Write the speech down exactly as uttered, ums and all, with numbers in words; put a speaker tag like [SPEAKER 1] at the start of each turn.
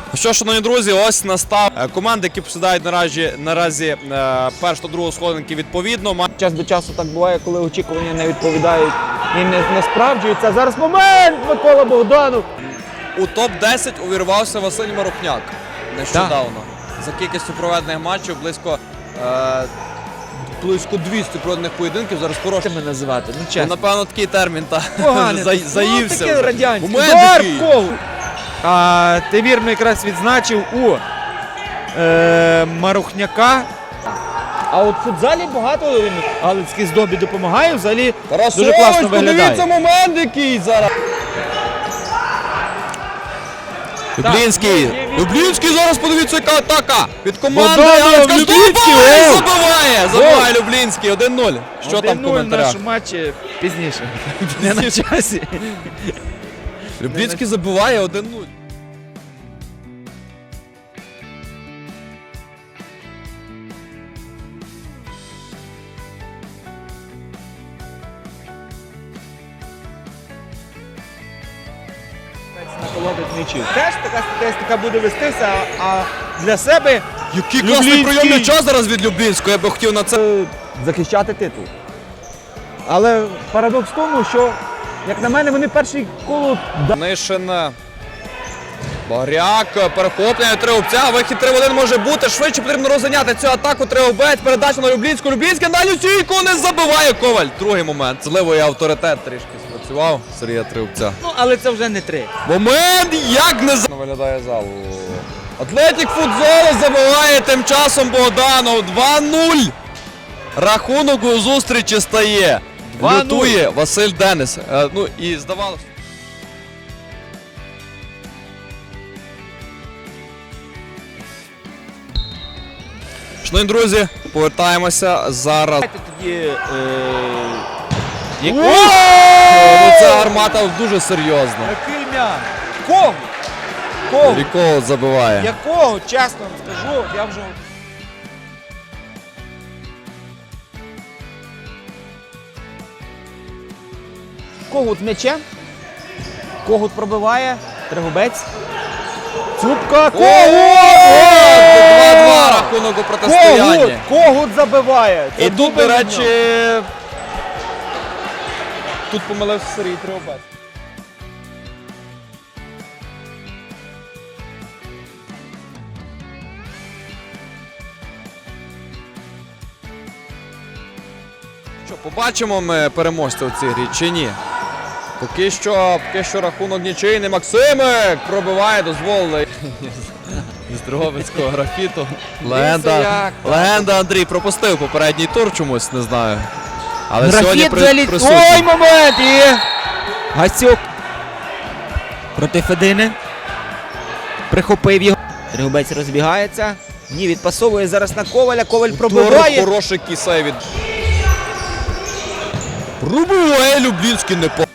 [SPEAKER 1] Що, шановні друзі, ось настав команди, які посідають наразі, наразі першу та другу сходинки відповідно.
[SPEAKER 2] Час до часу так буває, коли очікування не відповідають і не, не справджуються. Зараз момент! Микола Богданов!
[SPEAKER 1] У топ десять увірвався Василь Марухняк нещодавно. За кількістю проведених матчів близько, е, близько двісті проведених поєдинків. Зараз хороший.
[SPEAKER 2] Тебе називати, ну
[SPEAKER 1] Ну,
[SPEAKER 2] чесно.
[SPEAKER 1] напевно, такий термін та
[SPEAKER 2] Поганий.
[SPEAKER 1] за, заївся.
[SPEAKER 2] Ну, таке
[SPEAKER 1] вже.
[SPEAKER 2] радянський.
[SPEAKER 1] Момент
[SPEAKER 2] Удар
[SPEAKER 1] який.
[SPEAKER 2] в кого? А, ти вірно якраз відзначив у е, Марухняка. А от в футзалі багато галицьких здобі допомагає, взагалі дуже класно виглядає.
[SPEAKER 1] Подивіться момент який зараз. Люблінський.
[SPEAKER 2] Так, ну,
[SPEAKER 1] Люблінський зараз, подивіться, яка атака. Від команди
[SPEAKER 2] Богданов,
[SPEAKER 1] Галицька
[SPEAKER 2] Люблінський,
[SPEAKER 1] здобуває,
[SPEAKER 2] гол!
[SPEAKER 1] забиває. Забиває Люблінський. один нуль. Що там в
[SPEAKER 2] в
[SPEAKER 1] коментарях?
[SPEAKER 2] нашому матчі пізніше. Не на часі.
[SPEAKER 1] Люблінський забиває один нуль.
[SPEAKER 2] Наколодить м'ячів. Теж така статистика буде вестися, а для себе
[SPEAKER 1] Який класний
[SPEAKER 2] Люблінський.
[SPEAKER 1] прийом м'яча зараз від Люблінського. Я би хотів на це.
[SPEAKER 2] захищати титул. Але парадокс в тому, що, як на мене, вони перший коло
[SPEAKER 1] Нишин. Багряк, перехоплення, Тригубця, вихід три в один може бути, швидше потрібно розганяти цю атаку, Тригубець, передача на Люблінську, Люблінський на дальню стійку, не забиває Коваль. Другий момент, зливий авторитет трішки спрацював Сергія Тригубця.
[SPEAKER 2] Ну, але це вже не три.
[SPEAKER 1] Момент, як не за... Виглядає зал. Атлетік Футзолу забиває тим часом Богданов, два нуль. Рахунок у зустрічі стає.
[SPEAKER 2] два нуль.
[SPEAKER 1] Лютує Василь Денис. Е, ну і здавалося. Шановні друзі, повертаємося зараз.
[SPEAKER 2] Давайте тоді... Е...
[SPEAKER 1] О, ну ця гармата дуже серйозна.
[SPEAKER 2] Який м'яч? Кого? Кого?
[SPEAKER 1] Рікол забиває.
[SPEAKER 2] Якого? Чесно вам скажу, я вже... Когут з м'ячем. Когут пробиває. Тригубець. Цупка. Когут!
[SPEAKER 1] два-два рахунок у
[SPEAKER 2] Когут!
[SPEAKER 1] протистоянні.
[SPEAKER 2] Когут забиває. Це
[SPEAKER 1] І тут,
[SPEAKER 2] дубль
[SPEAKER 1] до
[SPEAKER 2] від
[SPEAKER 1] речі,
[SPEAKER 2] нього.
[SPEAKER 1] тут помилився Сергій Тригубець. Що, побачимо ми переможця в цій грі чи ні? Поки що, поки що рахунок нічийний. Максимик пробиває, дозволили. З Дрогобицького графіту. Легенда,
[SPEAKER 2] як,
[SPEAKER 1] легенда Андрій пропустив попередній тур чомусь, не знаю. Але сьогодні
[SPEAKER 2] Графіт
[SPEAKER 1] при,
[SPEAKER 2] заліт.
[SPEAKER 1] присутній.
[SPEAKER 2] Ой, момент! І... Гасюк. Проти Федини. Прихопив його. Тригубець розбігається. Ні, відпасовує зараз на Коваля. Коваль пробиває.
[SPEAKER 1] Хороший кісей від... Пробиває Люблінський не по...